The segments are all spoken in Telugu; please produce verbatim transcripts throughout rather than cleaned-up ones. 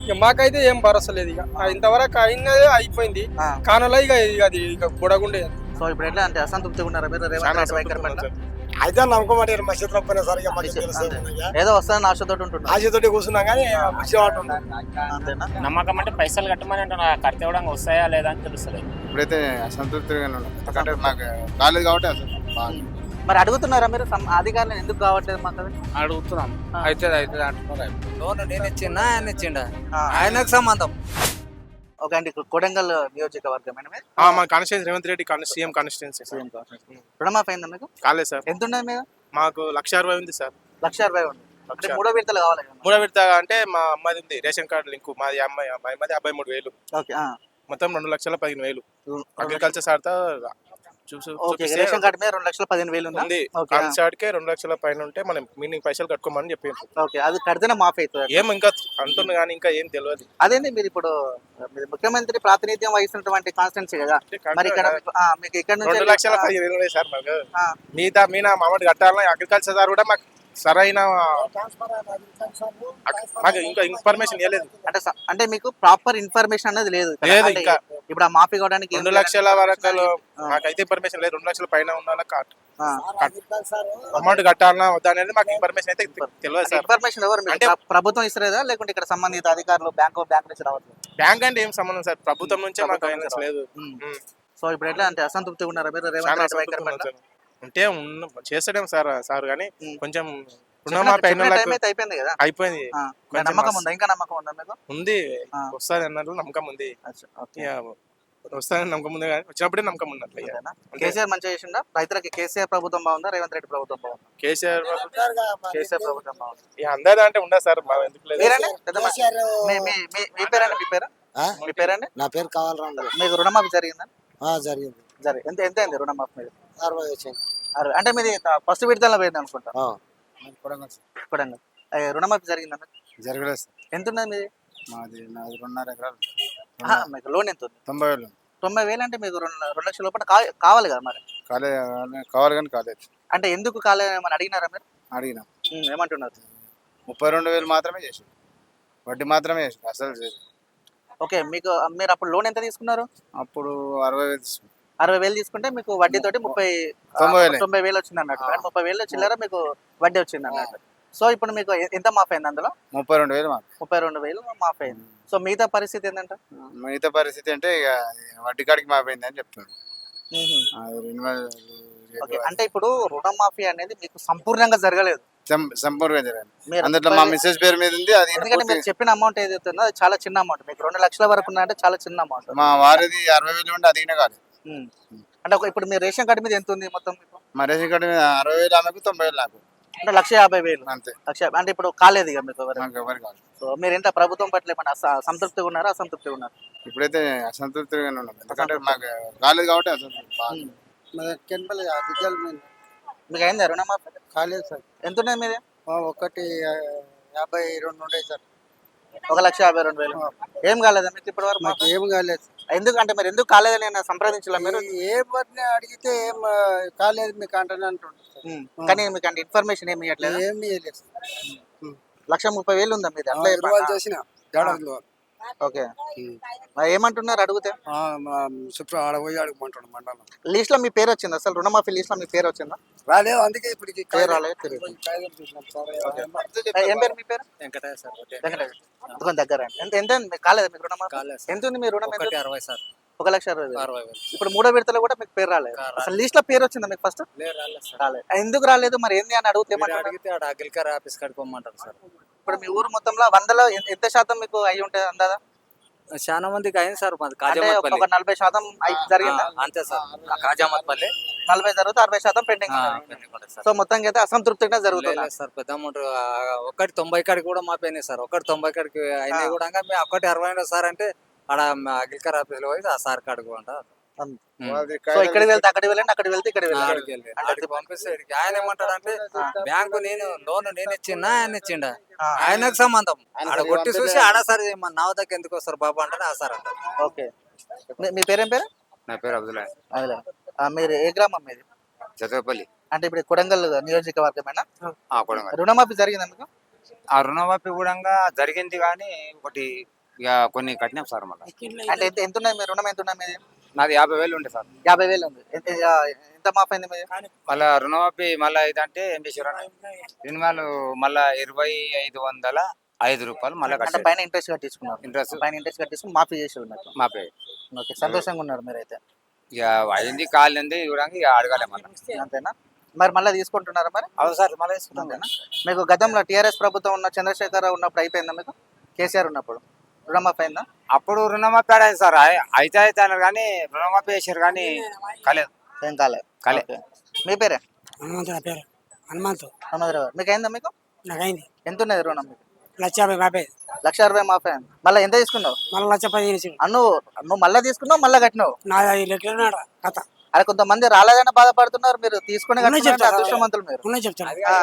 ఇక మాకైతే ఏం భరోసా లేదు. ఇక ఇంతవరకు అయినదే అయిపోయింది, కానలా ఇక ఇక అది ఇక బుడగుండే. సో ఇప్పుడు ఎట్లా అంటే అసంతృప్తిగా ఉన్నారా మీరు రేవంత్ రెడ్డి వైఖరి పట్ల? అయితే నమ్మకం మా చేతిలో పోయినా సరే ఇక మాకు తెలుసు. ఏదో వస్తానని ఆశతో ఉంటున్నారు. ఆశతోటి కూర్చున్నాం కానీ అంతేనా? నమ్మకం అంటే పైసలు కట్టమని అంటున్నా, కడితే కూడా వస్తాయా లేదా అని తెలుస్తలేదు. ఇప్పుడైతే అసంతృప్తిగానే ఉన్నాం, ఎందుకంటే మాకు కాలేదు కాబట్టి అసలు. మరి అడుగుతున్నారా మీరు సం- అధికారులను ఎందుకు కావట్లేదు మాకు అది? అడుగుతున్నాం, ఆ. అయితే అయితే అంటున్నారు. లోన్ నేను ఇచ్చిందా ఆయన ఇచ్చిండా ఆ. ఆయనకు సంబంధం. ఓకే అండి, కొడంగల్ నియోజకవర్గమైన మీరు మా constituency Revanth Reddy CM constituency CM రుణమాఫీ అయిందా మీకు? కాలేదు సార్. ఎంత ఉన్నది మీద? మాకు లక్ష అరవై ఉంది సార్. లక్ష అరవై ఉంది. అంటే మూడో విడతలు కావాలి కదా? మూడో విడత అంటే మా అమ్మాయి ఉంది రేషన్ కార్డు లింకు, మాది అమ్మాయి అమ్మాయి మాది యాభై మూడు వేలు, ఓకే ఆ. మొత్తం రెండు లక్షల పదిహేను వేలు రెండు అగ్రికల్చర్ సార్తో చూసు ఓకే, చూపిస్తే రేషన్ కార్డు మీద రెండు లక్షల పదిహేను వేలు ఉందా? ఉంది. ఓకే ఆ. కాన్సార్ట్కే రెండు లక్షల పైన ఉంటే మనం మీనింగ్ పైసలు కట్టుకోమని చెప్పి ఓకే, అది కడితేనే మాఫీ అవుతుంది. ఏం ఇంకా అంటుంది కానీ ఇంకా ఏం తెలియదు. అదేంటి మీరు ఇప్పుడు మీరు ముఖ్యమంత్రి ప్రాతినిధ్యం వహిస్తున్నటువంటి కాన్స్టిట్యున్సీ కదా, మరి ఇక్కడ మీకు- ఆ, మీకు ఇక్కడ నుంచి రెండు లక్షల పదిహేను వేలు ఉన్నాయి సార్ మాకు. ఆ. మిగతా మీనా మామూలు కట్టాలని అగ్రికల్చర్ సార్ కూడా మాకు సరైన మాకు ఇంకా ఇన్ఫర్మేషన్ ఇవ్వలేదు. అంటే స- అంటే మీకు ప్రాపర్ ఇన్ఫర్మేషన్ అనేది లేదు ఇక్కడ. లేదు అంటే ఇంకా. ఇప్పుడు ఆ మాఫీ కావడానికి ఏం రెండు చేయాలని లక్షల వరకు ఆ. మాకైతే ఇన్ఫర్మేషన్ లేదు. రెండు లక్షల పైన ఉండాలి ఆ. అమౌంట్ కట్టాలన్నా వద్దా అనేది మాకు ఇన్ఫర్మేషన్ అయితే తెలియదు సార్. ఇన్ఫర్మేషన్ ఎవరు మీకు? అంటే- ప్ర- ప్రభుత్వం ఇస్తలేదా లేకుంటే ఇక్కడ సంబంధిత అధికారులు బ్యాంకు బ్యాంక్ నుంచి రావట్లేదు? బ్యాంక్ అంటే ఏం సంబంధం సార్, ప్రభుత్వం నుంచే మాకు ప్రభుత్వం గైడెన్స్ నుంచి లేదు. ఉమ్. ఉమ్. సో ఇప్పుడు ఎట్లా అంటే అసంతృప్తిగా ఉన్నారా మీరు రేవంత్ చాలా రెడ్డి వైఖరి అసంతృప్తిగా పట్ల? ఉన్నాం సార్. అంటే ఉన్న చేస్తాడేం సార్ సార్ కానీ ఉమ్. కొంచెం చెప్పిన- రుణమాఫీ అయిన చెప్పిన వాళ్ళకు టైం అయితే అయిపోయింది కదా? అయిపోయింది. ఆ. కొంచెం నమ్మకం మస్తు- ఉందా? ఇంకా నమ్మకం ఉందా మీకు? ఉంది, ఆ. వస్తుంది అన్నట్లు నమ్మకం ఉంది. అచ్చా, ఓకే. ఇక వస్తాయని నమ్మకం ఉంది కానీ వచ్చినప్పుడే నమ్మకం ఉన్నట్లు. ఇక అంతేనా? అంతే. కేసీఆర్ మంచిగా చేసిండా? రైతులకి కేసీఆర్ ప్రభుత్వం బాగుందా రేవంత్ రెడ్డి ప్రభుత్వం బాగుందా? కేసీఆర్ కేసీఆర్ ప్రభుత్వం బాగుంది. ఇక అందరిదా అంటే ఉండదు సార్, మా ఎందుకు లేదు. మీరండి పెద్ద మనిషి? మీ మీ- మీ- మీ పేరండి మీ పేరు మీ పేరండి? నా పేరు కావాలరా మీకు రుణమాఫీ జరిగిందా? జరిగింది. జరిగింది. ఎంత ఎంత అయింది రుణమాఫీ మీద? అరవై వచ్చింది. అరవై. అంటే మీది ఫస్ట్ విడతలో పోయింది అనుకుంటా. కొడంగల్. అయ్య, రుణమాఫీ జరిగిందా మీకు? జరగలేదు సార్. ఎంత ఉన్నది మీది? మాది నాది రెండున్నర ఎకరాలు, ఆహా, మీకు లోన్ ఎంత ఉంది? తొంభై వేలు తొంభై వేలు అంటే మీకు రెండు రెండు లక్షల లోపల కా- కావాలి కదా మరి. కాలే కావాలి కానీ కాలేదు. అంటే ఎందుకు కాలేదు ఏమని అడిగినారా మీరు? అడిగినా ఉమ్, ఏమంటున్నారు? ముప్పై రెండు వేలు మాత్రమే చేసి, వడ్డీ మాత్రమే చేసి, అసలు చేయలేదు. ఓకే, మీకు మీరు అప్పుడు లోన్ ఎంత తీసుకున్నారు? అప్పుడు అరవై వేలు తీసుకున్నాం. అరవై వేలు తీసుకుంటే మీకు వడ్డీతోటి ముప్పై తొంభై వేలే. తొంభై వేలు వచ్చింది అన్నట్టు. అంటే ముప్పై వేలు చిల్లర మీకు వడ్డీ వచ్చింది అన్నట్టు. సో ఇప్పుడు మీకు ఎ- ఎంత మాఫీ అయింది అందులో? ముప్పై రెండు వేలు మాకు. ముప్పై రెండు వేలు మాఫీ అయింది. సో మిగతా పరిస్థితి ఏంటంటే మిగతా పరిస్థితి అంటే ఇక వడ్డీ కాడికి మాపోయింది అని చెప్తున్నాడు. అది రెన్యువల్ ఓకే, అంటే ఇప్పుడు రుణమాఫీ అనేది మీకు సంపూర్ణంగా జరగలేదు. సం- సంపూర్ణంగా జరగాలి. మీరు అందులో మా మిస్సెస్ పేరు మీద ఉంది. అది ఎందుకంటే మీరు పూర్తి- చెప్పిన అమౌంట్ ఏదైతే ఉందో అది చాలా చిన్న అమౌంట్. మీకు రెండు లక్షల వరకు ఉన్నదంటే చాలా చిన్న అమౌంట్. మా వారిది అరవై వేలు ఉంటే అదిగినా కాలేదు. అంటే ఒక ఇప్పుడు మీరు రేషన్ కార్డు మీద ఎంత ఉంది మొత్తం మీకు? మా రేషన్ కార్డు మీద అరవై వేలు ఆమెకు, తొంభై వేలు నాకు, అంటే లక్ష యాభై వేలు. అంతే. లక్ష యాభై- అంటే ఇప్పుడు కాలేదు ఇక మీకు ఎవరు? నాకు ఎవరు కాదు. సో మీరు ఎంత ప్రభుత్వం పట్ల ఏమన్నా అస- సంతృప్తిగా ఉన్నారా అసంతృప్తిగా ఉన్నారు? ఇప్పుడైతే అసంతృప్తిగానే ఉన్నాం, ఎందుకంటే మాకు కాలేదు కాబట్టి అసంతృప్తి బాగా. మీకు అయిందా రుణమాఫీ? కాలేదు సార్. ఎంత ఉన్నది మీది? ఒకటి యాభై రెండు ఉండే సార్. ఒక లక్ష యాభై రెండు వేలు. ఏం కాలేదా మీకు ఇప్పటి వరకు? మాకు ఏం కాలేదు. ఎందుకు అంటే మీరు ఎందుకు కాలేదని నేను సంప్రదించలే మీరు? ఏ పని అడిగితే ఏం ఆ, కాలేదు మీకు అంటనే అంటుంటారు సార్. ఉమ్. కానీ మీకు అంటే ఇన్ఫర్మేషన్ ఏమి ఇవ్వట్లేదు. ఏం చేయలేదు లక్ష ముప్పై వేలు ఉందా మీది? అట్లా సార్. చెప్పండి. చేసిన ఏడాదిలో ఓకే, మరి ఏమంటున్నారు అడిగితే? శుక్ర ఆడ పోయి అడుగుమంటాడు మండలం. లిస్ట్ లో మీ పేరు వచ్చిందా అసలు? రుణమాఫీ లిస్ట్ లో మీ పేరు వచ్చిందా? రాలేదు, అందుకే ఇప్పుడు పేరు రాలేదు, తెలియదు. ఏం పేరు మీ పేరు? వెంకటయ్య సార్. వెంకటేష్. కొంచెం దగ్గర రండి. ఎంత ఎంత ఉంది? మీకు కాలేదా మీకు రుణమాఫీ? కాలేదు ఎంత ఉంది మీ రుణం? ఎంత? ఒకటి అరవై సార్. ఒక లక్ష అరవై వేలు. అరవై వేలు ఇప్పుడు మూడో విడతలో కూడా మీకు పేరు రాలేదు. రాలేదు. అసలు లిస్ట్ లో పేరు వచ్చిందా మీకు ఫస్ట్? లేదు రాలేదు సార్. రాలేదు. ఎందుకు రాలేదు మరి ఏంది అని అడిగితే మీరు ఏమంటారు? అడిగితే ఆడ అగ్రికల్చర్ ఆఫీస్ కాడికి పోమంటారు సార్. ఇప్పుడు మీ ఊరు మొత్తంలో వందలో ఎన్- ఎంత శాతం మీకు అయి ఉంటుంది అందాదా? చాలా మందికి అయింది సార్. మాది అంటే కాజామత్పల్లి. ఒక నలభై శాతం అయి జరిగిందా? అంతే సార్. కాజామత్పల్లి నలభై జరిగితే అరవై శాతం పెండింగ్ ఉన్నది. సో మొత్తంగా అయితే అసంతృప్తిగా జరుగుతుంది. లేదు సార్, పెద్ద అమౌంట్ ఒకటి తొంభై కాడికి కూడా మాపోయినాయి సార్. ఒకటి తొంభై కాడికి అయినాయి కూడా. మేము ఒకటి అరవై అయినా సార్ అంటే ఆడ అగ్రికల్చర్ ఆఫీస్ లో పోయి ఆ సార్ కాడికి అంట. వాళ్ళది సో ఇక్కడికి వెళ్తే అక్కడికి వెళ్ళండి, అక్కడికి వెళ్తే ఇక్కడికి వెళ్ళండి. అక్కడికి వెళ్ళి అక్కడికి పంపిస్తే ఈడికి ఆయన ఏమంటాడు అంటే బ్యాంకు నేను లోన్ నేను ఇచ్చిందా ఆయన ఇచ్చిండా ఆ. ఆయనకు సంబంధం. ఆడ కొట్టి చూసి ఆడ సార్ మన నా వద్దకు ఎందుకు వస్తారు బాబా అంటే ఆ సార్ అంటారు. ఓకే, మీ- మీ పేరేం పేరు? నా పేరు అబ్దుల్లా. అదిలే. ఆ, మీరు ఏ గ్రామం మీది? చదవపల్లి. అంటే ఇప్పుడు కొడంగల్ నియోజకవర్గమేనా? కొడంగల్ రుణమాఫీ జరిగిందా మీకు? ఆ రుణమాఫీ కూడా జరిగింది కానీ ఒకటి ఇక కొన్ని కట్టినాం సార్ మళ్ళీ. అంటే ఎంత ఎంత ఉన్నది మీ రుణం ఎంత ఉన్నది మీది? నాది యాభై వేలు ఉండే సార్. యాభై వేలు ఉంది. ఎంత ఎంత మాఫ్ అయింది మీది? మళ్ళా రుణమాఫీ మళ్ళీ ఇదంటే ఏం చేశారు రినివాలు మళ్ళా ఇరవై ఐదు వందల ఐదు రూపాయలు మళ్ళీ అంటే కట్టారు. పైన ఇంట్రెస్ట్ కట్టించుకున్నారు. ఇంట్రెస్ట్ పైన ఇంట్రెస్ట్ కట్టించుకుని మాఫీ చేసి ఉన్నారు. మాపే ఓకే, సంతోషంగా ఉన్నారు మీరైతే. ఇక అయింది కాలింది చూడండి ఇక అడగాలి మళ్ళీ. అంతేనా? మరి మళ్ళీ తీసుకుంటున్నారా మరి? అవును సార్ మళ్ళీ తీసుకుంటాం. అంతేనా? మీకు గతంలో టీఆర్ఎస్ ప్రభుత్వం ఉన్న చంద్రశేఖర్ రావు ఉన్నప్పుడు అయిపోయిందా మీకు? కేసీఆర్ ఉన్నప్పుడు రుణమాఫీ అయిందా? అప్పుడు రుణమాఫీ ఆడాయి సార్ అయి- అయితే అయితే అన్నారు కానీ రుణమాఫీ చేశారు కానీ కాలేదు. ఏం కాలే కాలే. ఓకే. మీ పేరే? హనుమంతు నా పేరు హనుమంతు. హనుమంతరావు. మీకు అయిందా? మీకు నాకైంది ఎంత ఉన్నది రుణం మీకు? లక్ష యాభై మాపే లక్ష అరవై మాఫీ అయింది. మళ్ళీ ఎంత తీసుకున్నావు? మళ్ళీ లక్ష పదిహేను ఇచ్చిండు. అన్ను నువ్వు మళ్ళీ తీసుకున్నావు మళ్ళీ కట్టినావు. నా ఐదు లెక్కలు కథ అరే కొంతమంది రాలేదని బాధపడుతున్నారు, మీరు తీసుకునే ఉన్నాయి చెప్తా. అదృష్టవంతులు మీరు. ఉన్నాయి చెప్తాను. ఆ.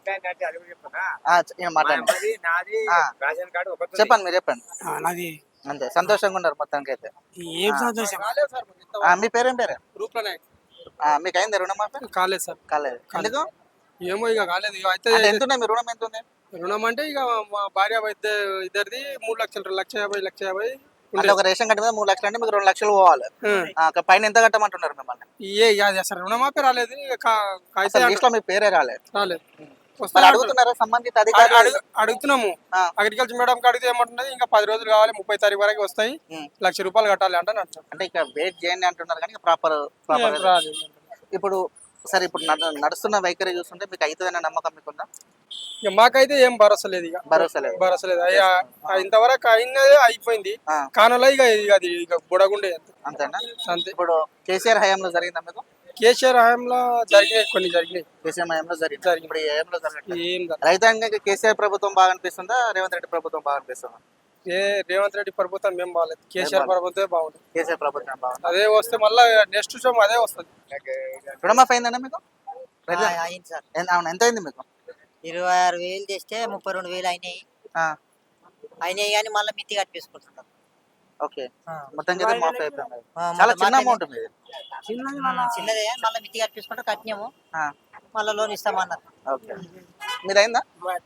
ఆ, చె- ఏం మాట్లాడండి. ఆ. రేషన్ కార్డు ఒకటి చెప్పండి, మీరు చెప్పండి. ఆ, నాది అంతే, సంతోషంగా ఉన్నారు మొత్తానికి అయితే. ఏం సంతోషం. ఆ, మీ పేరేం పేరే? రూప్లనే ఆ, మీకు అయింది రుణమాఫీ? కాలేదు సార్. కాలేదు. ఎందుకు? ఏమో ఇక కాలేదు. ఇక అయితే అంటే ఎంత ఉన్నాయి మీ రుణం? ఎంత ఉంది? రుణం అంటే ఇక మా భార్య ఇద్దరు ఇద్దరిది మూడు లక్షలు రెండు లక్ష యాభై లక్ష యాభై అంటే ఒక రేషన్ కార్డు మీద మూడు లక్షలు అంటే మీకు రెండు లక్షలు పోవాలి. ఆ, ఒక పైన ఎంత కట్టమంటున్నారు మిమ్మల్ని? ఏ అది అసలు రుణమాపే రాలేదు. ఇక కా- కాగితం అసలు లిస్ట్ లో మీ పేరే రాలేదు. రాలేదు. మరి వస్తాను అడుగుతున్నారా సంబంధిత అడుగు- అధికారులు? అడుగు- అడుగుతున్నాము. ఆ. అగ్రికల్చర్ మేడం అడిగితే ఏమంటున్నది, ఇంకా పది రోజులు కావాలి, ముప్పై తారీఖు వరకు వస్తాయి, ఉమ్. లక్ష రూపాయలు కట్టాలి అంటే అంటారు. అంటే ఇక వెయిట్ చేయండి అంటున్నారు కానీ ప్రాపర్ ప్రాపర్ రాలేదు. ఇప్పుడు సరే, ఇప్పుడు నడు- నడుస్తున్న వైఖరి చూస్తుంటే మీకు అవుతుందనే నమ్మకం మీకుందా? ఇక మాకైతే ఏం భరోసా లేదు. ఇక భరోసా లేదు. భరోసా లేదు. అయ్యా, ఇంతవరకు అయినదే అయిపోయింది. ఆ. కానలో ఇక ఇక అది ఇక బుడగుండే అంతే. అంతేనా? అంతే. ఇప్పుడు కేసీఆర్ హయాంలో జరిగిందా మీకు? కేసీఆర్ హయాంలో జరిగినాయి, కొన్ని జరిగినాయి. కేసీఆర్ హయాంలో జరిగింది. జరిగింది. ఇప్పుడు ఈ హయాంలో జరగట్లేదు. ఏం జరగలేదు. రైతాంగానికి కేసీఆర్ ప్రభుత్వం బాగా అనిపిస్తుందా, రేవంత్ రెడ్డి ప్రభుత్వం బాగా అనిపిస్తుందా? ఏ రేవంత్ రెడ్డి ప్రభుత్వం మేము బాగాలేదు, కేసీఆర్ ప్రభుత్వమే బాగుంది. కేసీఆర్ ప్రభుత్వం బాగుంది. అదే వస్తే మళ్ళీ నెక్స్ట్ టైం అదే వస్తుంది. రుణమాఫీ అయిందన్నా మీకు? ఆ, అయింది సార్. ఎంత- అవును, ఎంత అయింది మీకు? ఇరవై ఆరు వేలు చేస్తే ముప్పై రెండు వేలు అయినాయి ఆ, అయినాయి కానీ మళ్ళీ మిత్తి కట్టించుకుంటున్నాం. ఓకే. మొత్తం కదా మాఫీ అయిపోయింది. ఆ, చాలా మళ్ళా చిన్న మాఫీ అమౌంట్ మీది. చిన్నదే మళ్ళీ మిత్తి కట్టించుకుంటే కట్టినాము, ఆ, మళ్ళీ లోన్ ఇస్తామన్నారు. ఓకే. మీది అయిందా?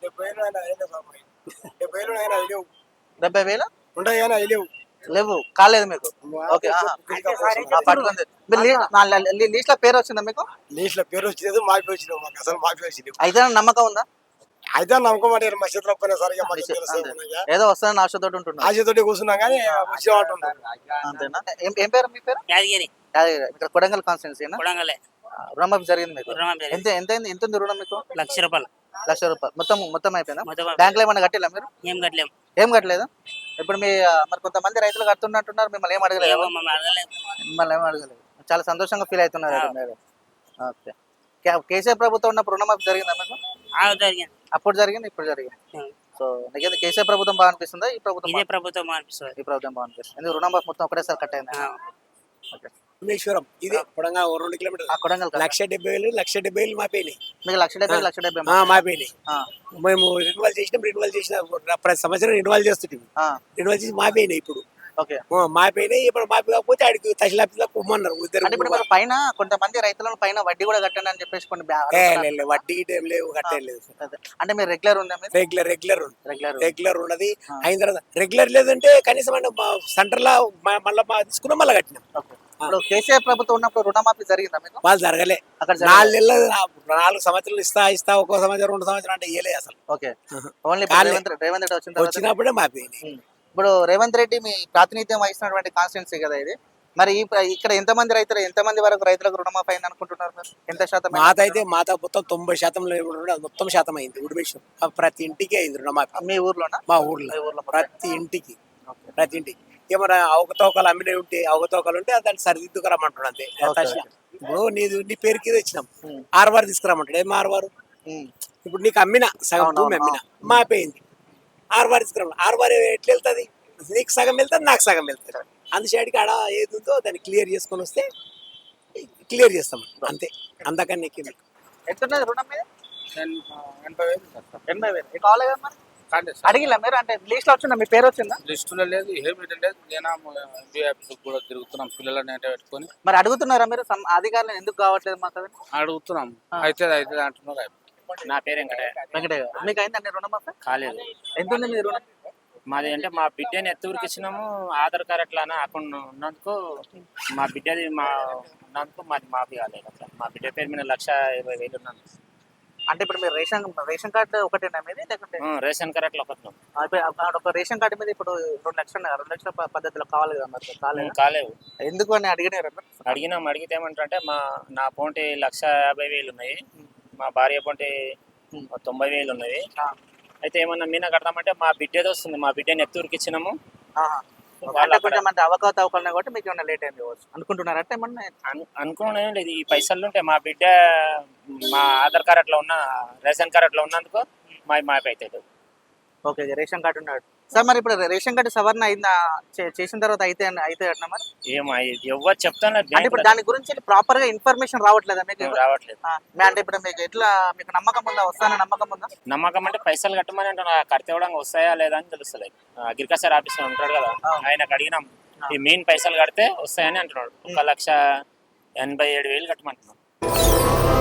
డెబ్బై వేలు లేవు, కాలేదు మీకు? ఓకే. ఆహా. ఆ, పట్టుకుంది. మీరు లీ- నా ల- లీ- లీస్ట్ లో పేరు వచ్చిందా మీకు? లీస్ట్ లో పేరు వచ్చేది మాఫీ వచ్చినావు, మాకు అసలు మాఫీ వచ్చినావు. అయితే నమ్మకం ఉందా? అయితే నమ్మకం అంటే మా చేతిలో పోయినా సరే ఇక మాకు అంతే. తెలుసు. ఏదో వస్తుందని ఆశతో ఉంటున్నారు. ఆశతోటి కూర్చున్నాం కానీ వచ్చిన అంటున్నాం. అంతేనా? ఏం ఏం పేరు మీ పేరు? యాదగిరి యాదగిరి. ఇక్కడ కొడంగల్ కాన్స్టిట్యున్సీనా? కొడంగలే రుణమాఫీ జరిగింది మీకు? రుణం జరిగింది. ఎంత ఎంత అయింది? ఎంత ఉంది రుణం మీకు? లక్ష రూపాయలు లక్ష రూపాయలు మొత్తం మొత్తం అయిపోయిందా? మొత్తం బ్యాంక్ లో ఏమైనా కట్టిలా మీరు? ఏం కట్టలేము. ఏం కట్టలేదు. ఇప్పుడు మీ ఆ, మరి కొంతమంది రైతులు కడుతున్నట్టున్నారు, మిమ్మల్ని ఏం అడగలేదు? ఏమో మమ్మల్ని అడగలేదు. మిమ్మల్ని ఏం అడగలేదు. చాలా సంతోషంగా ఫీల్ అవుతున్నారు అయితే మీరు. ఓకే. కే- కేసీఆర్ ప్రభుత్వం ఉన్నప్పుడు రుణమాఫీ జరిగిందా మీకు? ఆ, జరిగింది. అప్పుడు జరిగింది, ఇప్పుడు జరిగింది. ఉం. సో నీకైతే కేసీఆర్ ప్రభుత్వం బాగా అనిపిస్తుందా, ఈ ప్రభుత్వం ఇదే బాగా- ప్రభుత్వం అనిపిస్తుంది. ఈ ప్రభుత్వం బాగా అనిపిస్తుంది? ఎందుకు రుణమాఫీ మొత్తం ఒకటేసారి కట్ అయింది? ఆ. ఓకే. భువనేశ్వరం ఇదే పొడంగా ఓ రెండు కిలోమీటర్లు. ఆ కొడంగల్ కాదు. లక్ష డెబ్బై వేలు లక్ష డెబ్బై వేలు మాపోయినాయి. మీకు లక్ష డెబ్బై లక్ష డెబ్బై ఆ, మాపోయినాయి. ఆ, మేము రెన్యువల్ చేసినాం, రెన్యువల్ చేసిన ప్రతి సంవత్సరం రెన్యువల్ చేస్తుంటాం. ఆ, రెన్యువల్ చేసి మాపోయినాయి. ఇప్పుడు ఓకే. ఆ, మాపోయినాయి. ఇప్పుడు మాపి కాకపోతే ఆడికి తహసీల్ ఆఫీస్ లో పొమ్మన్నారు ఇద్దరు. అంటే ఇప్పుడు మీరు పైన కొంతమంది రైతులను పైన వడ్డీ కూడా కట్టండి అని చెప్పేసి కొన్ని బ్యా- ఏ, లే, లే, వడ్డీ గిట్ట ఏం లేవు, కట్టేయలేదు. అదే. అంటే మీరు రెగ్యులర్ ఉందా మీరు? రెగ్యులర్ రెగ్యులర్ ఉంది. రెగ్యులర్ రెగ్యులర్ ఉన్నది. ఆ. అయిన తర్వాత రెగ్యులర్ లేదంటే కనీసం సెంటర్ లో మళ్ళీ తీసుకున్నాం, మళ్ళీ కట్టినాం. ఓకే. ఇప్పుడు కేసీఆర్ ప్రభుత్వం ఉన్నప్పుడు రుణమాఫీ జరిగిందా మీకు? వాళ్ళు జరగలే. అక్కడ జరగలేదు. నాలుగు నెలలు నాలుగు సంవత్సరాలు ఇస్తా ఇస్తా ఒక్కో సంవత్సరం రెండు సంవత్సరం అంటే ఇయ్యలే అసలు. ఓకే. ఓన్లీ ఇప్పుడు కాలే. రేవంత్ రెడ్డి రేవంత్ రెడ్డి వచ్చిన తర్వాత వచ్చినప్పుడే మాపోయినాయి. ఉం. ఇప్పుడు రేవంత్ రెడ్డి మీ ప్రాతినిధ్యం వహిస్తున్నటువంటి కాన్స్టిట్యున్సీ కదా ఇది, మరి ఈ ప్ర- ఇక్కడ ఎంతమంది రైతులు ఎంతమంది వరకు రైతులకు రుణమాఫీ అయింది అనుకుంటున్నారు మీరు? ఎంత శాతం? మాత అయితే మాత మొత్తం తొంభై శాతంలో ఏముంటుందో అది మొత్తం శాతం అయింది. ఉడిమేశ్వరం ప్రతి ఇంటికి అయింది రుణమాఫీ. మీ ఊర్లోనా? మా ఊర్లో ఊర్లో ప్రతి ఇంటికి ప్రతి ఇంటికి ఏమన్నా అవకతవకలు అమ్మినవి ఉంటే అవకతవకలు ఉంటే దాన్ని సరిదిద్దుకురమ్మంటాడు అంతే. ఇప్పుడు నీది నీ పేరుకి ఇది ఇచ్చినాం, ఉం. ఆరువారు తీసుకురమ్మంటాడు. ఏం ఆరువారు? ఉం. ఇప్పుడు నీకు అమ్మిన సగం అవును, భూమి అవును, అమ్మిన మాపోయింది, ఆరువారు తీసుకురమ్మ. ఆరువారు ఎట్లా వెళ్తుంది? నీకు సగం వెళ్తుంది, నాకు సగం వెళ్తుంది. అందుచేటికి ఆడ ఏది ఉందో దాన్ని క్లియర్ చేసుకొని వస్తే క్లియర్ చేస్తాం అంతే. అంతకన్నా నీకు ఎంత ఉన్నది రుణం మీద? ఎనభై వేలు ఎనభై వేలు. మీకు కావాలి కదా మరి? అడిగిలా మీరు? అంటే లిస్ట్ లో వచ్చిందా? మీ పేరు వచ్చిందా? లిస్టులో లేదు, ఏమీ లేదు. నేను ఎంబీ ఆఫీస్ కూడా తిరుగుతున్నాం, పిల్లలని అంటే పెట్టుకొని మరి అడుగుతున్నారా మీరు సం- అధికారులను ఎందుకు కావట్లేదు మాకు? అది అడుగుతున్నాం. అయితే అయితే అంటున్నారు. నా పేరు వెంకటే. వెంకటయ్య గారు. మీకు అయిందండి రుణమాఫీ? కాలేదు. ఎంత ఉంది మీ రుణం? మాది అంటే మా బిడ్డని ఎత్తూరికి ఇచ్చినాము, ఆధార్ కార్డ్ అట్లా అకౌంట్ ఉన్నందుకు మా బిడ్డది మా ఉన్నందుకు మాది మాఫీ కాలేదు. అట్లా మా బిడ్డ పేరు మీద లక్ష ఇరవై వేలు ఉన్నాను. అంటే ఇప్పుడు మీరు రేషన్ రేషన్ కార్డు ఒకటేనా మీది లేకుంటే ఉం, రేషన్ కార్డ్ అట్లా ఒకటి ఆ, ఇప్పుడు ఆ ఒక రేషన్ కార్డు మీద ఇప్పుడు రెండు లక్షలు ఉన్నాయి. రెండు లక్షల ప- పద్ధతిలో కావాలి కదా మరి కాలేదు కాలేవు. ఎందుకు అని అడిగినారు అడిగినాం. అడిగితే ఏమంటారంటే మా నా అకౌంట్ లక్ష యాభై వేలు ఉన్నాయి, మా భార్య అకౌంట్ తొంభై వేలు ఉన్నది. అయితే ఏమన్నా మీనా కడతామంటే మా బిడ్డది వస్తుంది, మా బిడ్డని ఎత్తూరికి ఇచ్చినాము. అంటే కొంచెం మంది అవకాశ అవకాశం కాబట్టి మీకు ఏమన్నా లేట్ అయింది కావచ్చు అనుకుంటున్నారంటే ఏమన్నా అను అనుకోవడం ఏం లేదు. ఈ పైసలు ఉంటే మా బిడ్డ మా ఆధార్ కార్డ్ అట్లా ఉన్న రేషన్ కార్డ్ అట్లా ఉన్నందుకు మా మాపి అవుతుంది. ఓకే రేషన్ కార్డు ఉన్నాడు సార్. మరి ఇప్పుడు రేషన్ కార్డు సవరణ అయిందా? చే- చేసిన తర్వాత అయితే అయితే అట్లా మరి ఏమో ఎవరు చెప్తాను అంటే ఇప్పుడు దాని గురించి ప్రాపర్ గా ఇన్ఫర్మేషన్ రావట్లేదా మీకు? రావట్లేదు. ఆ, మీ- అంటే ఇప్పుడు మీకు ఎట్లా మీకు నమ్మకం ఉందా? వస్తాన నమ్మకం ఉందా? నమ్మకం అంటే పైసలు కట్టమని అంటున్నా, కడితే కూడా వస్తాయా లేదా అని తెలుస్తలేదు. అగ్రికల్చర్ ఆఫీసర్ ఉంటాడు కదా, ఆయనకు అడిగినాం ఈ మెయిన్ పైసలు కడితే వస్తాయని అంటున్నాడు. ఒక లక్ష ఎనభై ఏడు వేలు కట్టమంటున్నాడు.